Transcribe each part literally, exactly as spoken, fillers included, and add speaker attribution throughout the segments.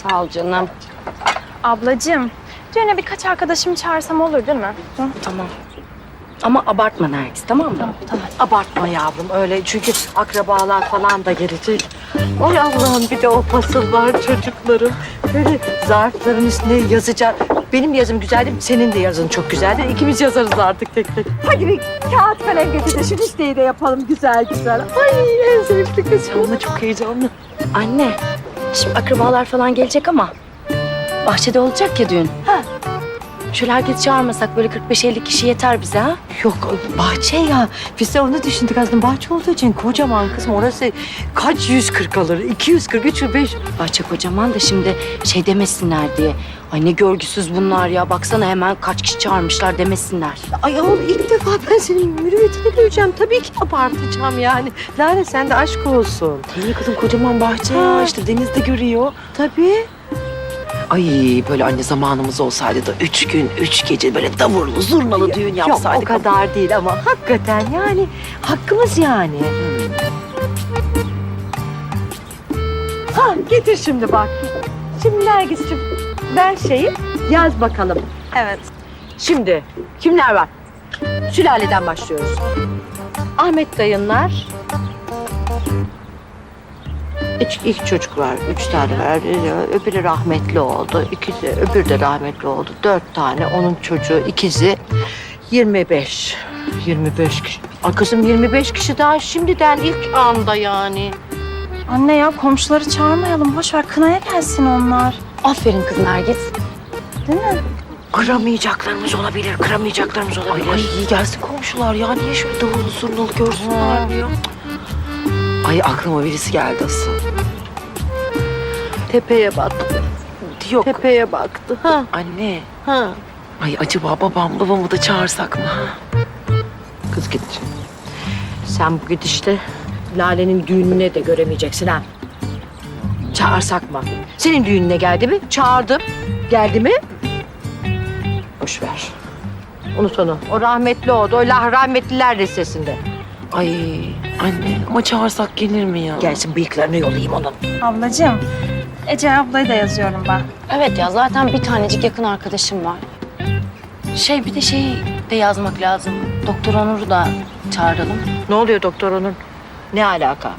Speaker 1: Sağ ol canım.
Speaker 2: Ablacığım, düğüne birkaç arkadaşımı çağırsam olur değil mi? Hı?
Speaker 1: Tamam. Ama abartma Nergis, tamam mı?
Speaker 2: Tamam, tamam.
Speaker 3: Abartma yavrum öyle çünkü akrabalar falan da gelecek. Ay Allah'ım bir de o fasıllar çocuklarım. Böyle zarfların üstüne yazacak. Benim yazım güzeldi, senin de yazın çok güzeldir. İkimiz yazarız artık tek tek. Hadi bir kağıt kalem getir de şu listeyi de yapalım güzel güzel. Ay en sevimli kız. Onunla çok heyecanlı.
Speaker 1: Anne, şimdi akrabalar falan gelecek ama bahçede olacak ya düğün.
Speaker 3: Ha.
Speaker 1: Şöyle herkes çağırmasak böyle kırk beş elli kişi yeter bize ha?
Speaker 3: Yok bahçe ya. Biz de onu düşündük aslında. Bahçe olduğu için kocaman kızım. Orası kaç yüz kırk alır? iki yüz kırk, üç yüz beş.
Speaker 1: Bahçe kocaman da şimdi şey demesinler diye. Ay ne görgüsüz bunlar ya. Baksana hemen kaç kişi çağırmışlar demesinler.
Speaker 3: Ay oğlum ilk defa ben senin mürüvvetini göreceğim. Tabii ki abartacağım yani. Lale sen de aşk olsun.
Speaker 4: İyi kızım kocaman bahçe
Speaker 3: Ha.
Speaker 4: ya işte denizde görüyor.
Speaker 3: Tabii.
Speaker 4: Ay böyle anne zamanımız olsaydı da üç gün üç gece böyle davurlu zurnalı düğün
Speaker 3: Yok
Speaker 4: yapsaydık.
Speaker 3: o kadar değil ama hakikaten yani hakkımız yani. Ha getir şimdi bak. Şimdi Nergis'ciğim ver şeyi yaz bakalım.
Speaker 2: Evet.
Speaker 3: Şimdi kimler var? Sülaleden başlıyoruz. Ahmet dayınlar. İlk, ilk çocuk var. Üç tane var. Öbürü rahmetli oldu. İkisi, öbürü de rahmetli oldu. Dört tane. Onun çocuğu, ikizi. Yirmi beş. Yirmi beş kişi. Ay kızım yirmi beş kişi daha şimdiden ilk anda yani.
Speaker 2: Anne ya komşuları çağırmayalım. Boş ver kınaya gelsin onlar.
Speaker 1: Aferin kız Nergis.
Speaker 2: Değil mi?
Speaker 4: Kıramayacaklarımız olabilir, kıramayacaklarımız olabilir. Ay, ay iyi gelsin komşular ya. Niye şöyle davullu zurnalı görsünler diyor. Ay aklıma birisi geldi asıl.
Speaker 3: Tepeye baktı.
Speaker 4: Yok
Speaker 3: Tepeye baktı. Ha,
Speaker 4: anne.
Speaker 3: ha.
Speaker 4: Ay acaba babam babamı da çağırsak mı?
Speaker 3: Kız git. Sen bu gidişte Lale'nin düğününe de göremeyeceksin ha. Çağırsak mı? Senin düğününe geldi mi? Çağırdım. Geldi mi? Boş ver. Unut onu. O rahmetli oldu. O lah rahmetliler listesinde.
Speaker 4: Ay anne ama çağırsak gelir mi ya?
Speaker 3: Gelsin bıyıklarını yolayayım onun.
Speaker 2: Ablacığım, Ece ablayı da yazıyorum ben.
Speaker 1: Evet ya zaten bir tanecik yakın arkadaşım var. Şey bir de şey de yazmak lazım. Doktor Onur'u da çağıralım.
Speaker 3: Ne oluyor doktor onun? Ne alaka?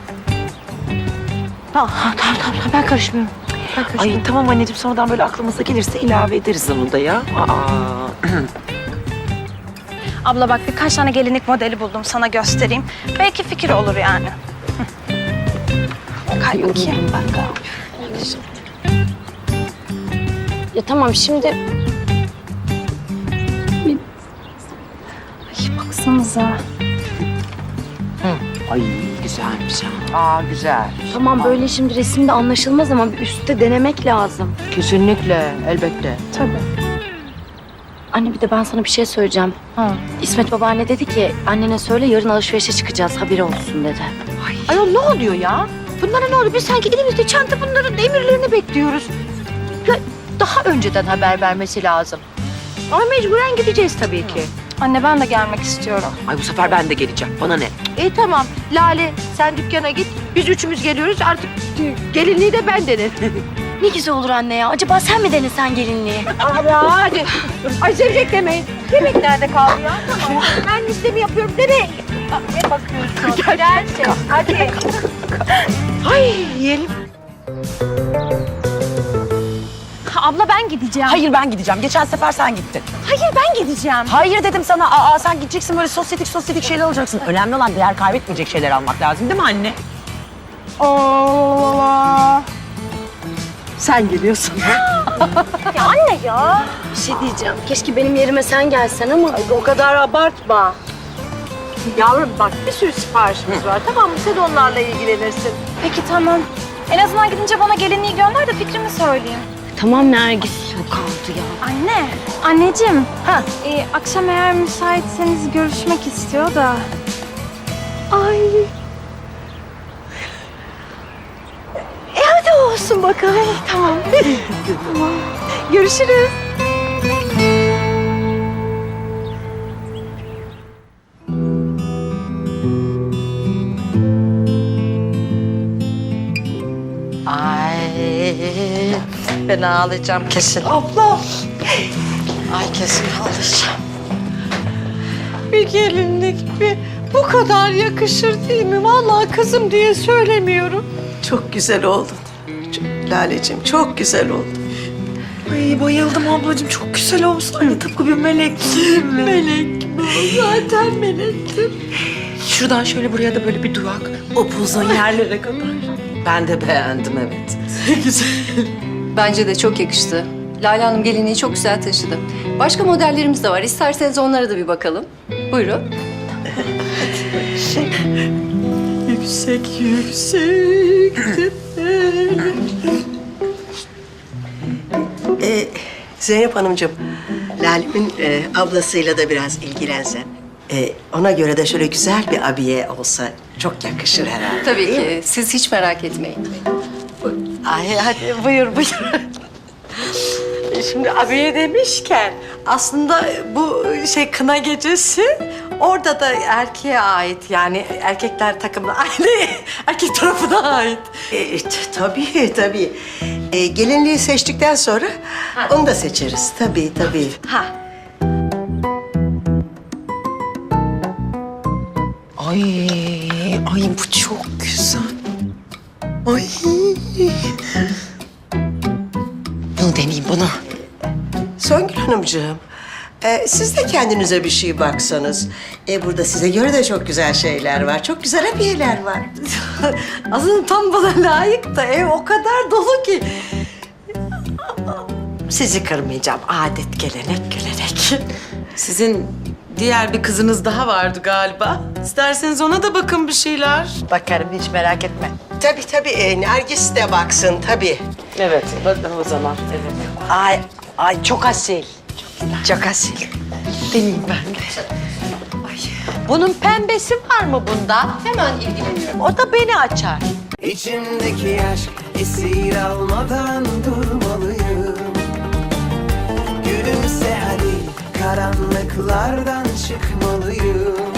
Speaker 3: Tamam, tamam, tamam. Ben karışmıyorum. Ben karışmıyorum.
Speaker 4: Ay tamam anneciğim sonradan böyle aklımıza gelirse ilave ederiz onu da ya. Aa.
Speaker 2: Abla bak birkaç tane gelinlik modeli buldum sana göstereyim. Belki fikir olur yani. Hı. Kay bakayım.
Speaker 1: Ben de. Ya tamam şimdi
Speaker 2: Ay baksanıza.
Speaker 4: Ay güzelmiş ha.
Speaker 3: Aa güzel.
Speaker 1: tamam böyle şimdi resimde anlaşılmaz ama bir üstte denemek lazım.
Speaker 3: Kesinlikle, elbette.
Speaker 2: Tabii.
Speaker 1: Anne bir de ben sana bir şey söyleyeceğim.
Speaker 2: Ha.
Speaker 1: İsmet babaanne dedi ki annene söyle yarın alışverişe çıkacağız haberi olsun dedi.
Speaker 3: Ayol ne oluyor ya? Bunlara ne oluyor? Biz sanki elimizde çanta bunların emirlerini bekliyoruz. Ya daha önceden haber vermesi lazım. Ama mecburen gideceğiz tabii ki.
Speaker 2: Anne ben de gelmek istiyorum.
Speaker 4: Ay bu sefer ben de geleceğim. Bana ne?
Speaker 3: İyi tamam. Lale sen dükkana git. Biz üçümüz geliyoruz. Artık gelinliği de ben denerim.
Speaker 1: Ne güzel olur anne ya. Acaba sen mi denesen gelinliği?
Speaker 3: Abi hadi. Ay zevzek demeyin. Yemek nerede kaldı ya? Tamam. Ben listemi yapıyorum. Nereye? Ne bakıyorsun? Prenses. Hadi. Ay yiyelim.
Speaker 2: Abla ben gideceğim.
Speaker 4: Hayır ben gideceğim. Geçen sefer sen gittin.
Speaker 2: Hayır ben gideceğim.
Speaker 4: Hayır dedim sana. Aa sen gideceksin böyle sosyetik sosyetik şeyler alacaksın. Önemli olan değer kaybetmeyecek şeyler almak lazım değil mi anne?
Speaker 2: Oo.
Speaker 3: Sen geliyorsun.
Speaker 2: Ya anne ya.
Speaker 1: Bir şey diyeceğim. Keşke benim yerime sen gelsen ama.
Speaker 3: Ay, o kadar abartma. Yavrum bak bir sürü siparişimiz var. Tamam mı? Sen onlarla ilgilenirsin.
Speaker 2: Peki tamam. En azından gidince bana gelinliği gönder de fikrimi söyleyeyim.
Speaker 1: Tamam Nergis. Yok aldı ya.
Speaker 2: Anne, anneciğim.
Speaker 3: Ha.
Speaker 2: Ee, akşam eğer müsaitseniz görüşmek istiyor da.
Speaker 3: Ay. E hadi olsun bakalım.
Speaker 2: Tamam.
Speaker 3: Tamam. Görüşürüz. Ay Ben ağlayacağım kesin.
Speaker 5: Abla
Speaker 3: Ay kesin ağlayacağım.
Speaker 5: bir gelinlik bir bu kadar yakışır değil mi? Vallahi kızım diye söylemiyorum.
Speaker 6: Çok güzel oldun. Çok- Laleciğim çok güzel oldun.
Speaker 4: Ay bayıldım ablacığım. Çok güzel olmuş. Aynı tıpkı bir melek.
Speaker 5: Melek bu. Zaten melektim.
Speaker 4: Şuradan şöyle buraya da böyle bir durak. Upuzun yerlere kadar.
Speaker 6: Ben de beğendim evet.
Speaker 7: Bence de çok yakıştı. Lale Hanım gelinliği çok güzel taşıdı. Başka modellerimiz de var. İsterseniz onlara da bir bakalım. Buyurun.
Speaker 5: Yüksek yüksek
Speaker 6: Ee, Zeynep Hanımcığım, Lale'min e, ablasıyla da biraz ilgilensen. E, ona göre de şöyle güzel bir abiye olsa çok yakışır herhalde.
Speaker 7: Tabii ki. Siz hiç merak etmeyin.
Speaker 3: Ay hadi buyur buyur. Şimdi abiye demişken aslında bu şey kına gecesi orada da erkeğe ait yani erkekler takımına aynı erkek tarafına ait.
Speaker 6: E, t- tabii tabii. E, gelinliği seçtikten sonra onu da seçeriz. Tabii tabii.
Speaker 3: Ha.
Speaker 4: Ay, ay bu çok güzel. Ay. Bunu deneyeyim bunu.
Speaker 6: Songül Hanımcığım, e, siz de kendinize bir şey baksanız. E, burada size göre de çok güzel şeyler var. Çok güzel abiyeler var.
Speaker 3: Aslında tam bana layık da ev o kadar dolu ki. Sizi kırmayacağım. Adet, gelenek, gelenek.
Speaker 8: Sizin diğer bir kızınız daha vardı galiba. İsterseniz ona da bakın bir şeyler.
Speaker 3: Bakarım hiç merak etme.
Speaker 6: Tabii tabii, e, Nergis de baksın tabii.
Speaker 8: Evet, bakın o zaman. Evet.
Speaker 3: Ay, ay çok asil. Çok asil. Deneyim ben de. Ay. Bunun pembesi var mı bunda?
Speaker 7: Hemen ilgileniyorum.
Speaker 3: O da beni açar.
Speaker 9: İçimdeki aşk esir almadan durmalıyım. Gülümse hadi karanlıklardan çıkmalıyım.